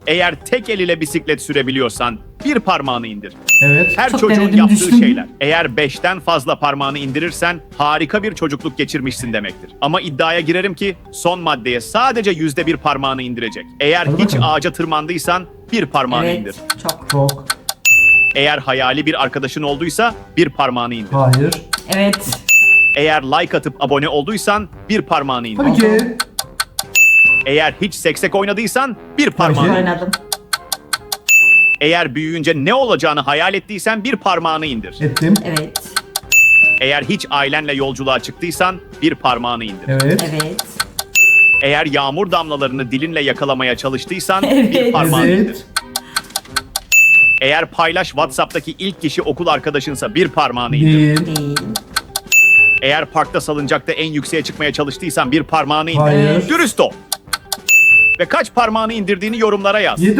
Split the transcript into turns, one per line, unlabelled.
Eğer tek el ile bisiklet sürebiliyorsan bir parmağını indir.
Evet.
Her
Çok
çocuğun
denedim,
yaptığı
düştüm.
şeyler. Eğer 5'ten fazla parmağını indirirsen harika bir çocukluk geçirmişsin demektir. Ama iddiaya girerim ki son maddeye sadece %1 parmağını indirecek. Eğer
Hadi
hiç
bakalım.
ağaca tırmandıysan bir parmağını indir.
Evet. Çok.
Çok.
Eğer hayali bir arkadaşın olduysa bir parmağını indir.
Hayır.
Evet.
Eğer like atıp abone olduysan bir parmağını indir.
Tabii ki.
Eğer hiç seksek oynadıysan bir parmağını
Tabii.
indir.
Oynadım.
Eğer büyüyünce ne olacağını hayal ettiysen bir parmağını indir.
Ettim.
Evet.
Eğer hiç ailenle yolculuğa çıktıysan bir parmağını indir.
Evet.
Evet.
Eğer yağmur damlalarını dilinle yakalamaya çalıştıysan bir
Evet.
parmağını indir.
Evet.
Eğer paylaş WhatsApp'taki ilk kişi okul arkadaşınsa bir parmağını indir.
Değil.
Değil.
Eğer parkta salıncakta en yükseğe çıkmaya çalıştıysan bir parmağını indir.
Hayır.
Dürüst ol. Ve kaç parmağını indirdiğini yorumlara yaz.
7